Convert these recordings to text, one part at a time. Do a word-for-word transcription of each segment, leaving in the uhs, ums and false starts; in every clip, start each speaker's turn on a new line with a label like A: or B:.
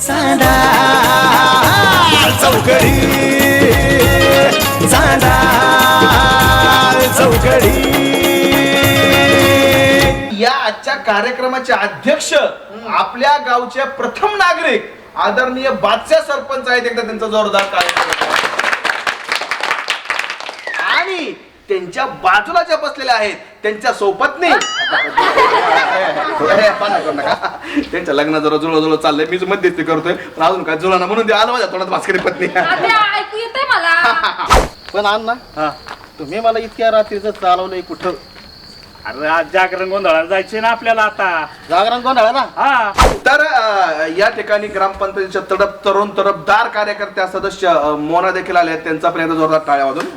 A: चांदा चौकडी चांदा चौकडी.
B: या आजच्या कार्यक्रमाचे अध्यक्ष आपल्या गावचे प्रथम नागरिक आदरणीय बादशाह सरपंच आहेत. एकदा त्यांचा जोरदार कार्यक्रम. आणि त्यांच्या बाजूला ज्या बसलेल्या आहेत त्यांच्या सोबतनी त्यांच्या लग्न जरा जुळव जुळव चाललंय. मीच मध्यस्थी करतोय पण अजून काय जुळाना म्हणून ते आलं माझ्या तोंडात भास्करी पत्नी.
C: ऐकू येतंय मला.
D: पण अण्णा तुम्ही मला इतक्या रात्रीचं चालवलंय कुठं?
E: अरे आज जागरण गोंधळाला जायचे ना आपल्याला आता.
D: जागरण गोंधळ ना.
E: हा
B: तर अ, या ठिकाणी ग्रामपंचायतीच्या तडप तरुण तरफदार कार्यकर्त्या सदस्य अ, मोना देखील आले आहेत. त्यांचा पण एकदा जोरदार टाळ्या वाजून.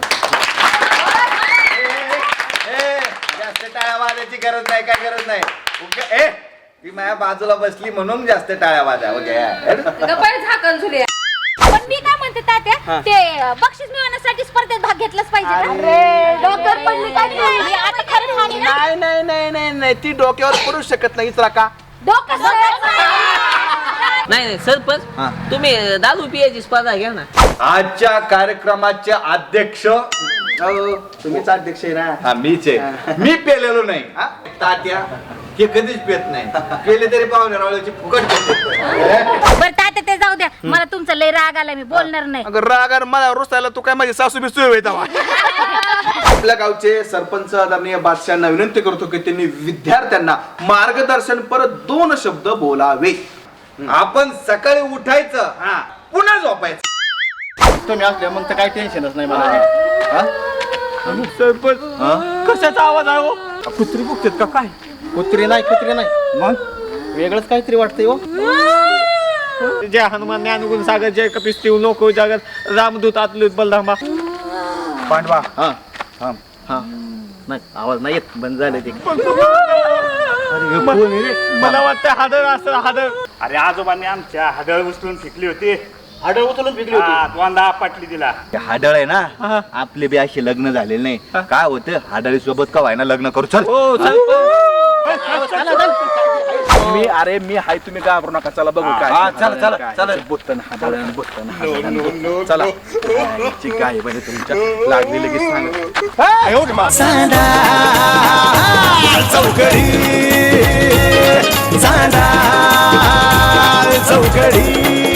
F: जास्त टाळ्या वाजायची गरज नाही, काय गरज नाही. ए ती माझ्या बाजूला बसली म्हणून जास्त टाळ्या वाजा.
C: झाकण झुले.
G: पण मी काय म्हणते तात्या, ते बक्षीस मिळवण्यासाठी स्पर्धेत भाग घेतलाच पाहिजे ना.
C: अरे, डोक्यावर पडली काय
G: नाही, आता खरं झाली ना.
B: नाही नाही नाही नाही नाही ती डोक्यावर पडू शकत नाही. इचरा का
G: डोकं
H: नाही नाही सरपंच, तुम्ही दारू पियाची स्पर्धा घ्या ना.
F: आजच्या कार्यक्रमाचे अध्यक्ष
B: तुम्हीच अध्यक्ष आहे ना.
F: हा मीच आहे. मी पेलेलो नाही हा? तात्या हे कधीच पेत नाही. पेले तरी पाहुणे रावळ्याची फुकट
G: बरं तात्या ते जाऊ द्या. मला तुमचा लय राग आला, मी बोलणार नाही.
B: अगं रागार मला रुसायला तू काय माझी सासू बिसू आहे तेव्हा. आपल्या गावचे सरपंच आदरणीय बादशाहांना विनंती करतो की त्यांनी विद्यार्थ्यांना मार्गदर्शन परत दोन शब्द बोलावे.
F: आपण सकाळी उठायचं हा पुन्हा झोपायचं.
D: तुम्ही असल्या मग तर काही टेन्शनच नाही मला.
E: सरपंच कशाचा आवाज आहे हो? कुत्री बुकतात का काय?
D: कुत्री नाही, कुत्री नाही, मग वेगळंच काहीतरी वाटतंय हो.
E: जय हनुमान ज्ञानगुण सागर जय कपिस्ती नको जगत रामदूत आतलूत बलधामा
F: पांडवा
D: हा हा हा नाही आवाज नाही येत, बंद झालं ते.
E: मला वाटतं हाडळ असं हाडळ. अरे आजोबांनी आमच्या हाडळ उचलून फेकली होती.
D: हाडळ उचलून पिकली
E: हा, दोनदा पाटली दिला.
F: हाडळ आहे ना आपले बी असे लग्न झालेले नाही. काय होतं हाडळी सोबत का व्हायना लग्न करू. चल
E: हो
B: मी अरे मी हाय तुम्ही घाबरू नका. चला बघू काय.
F: हा, चला, चला, चला.
B: बुत्तन हादळण बुत्तन हादळण. चला ची काय बरं तुमच्या लागली लगेच सांग.
A: चांदा चौकडी चांदा चौकडी.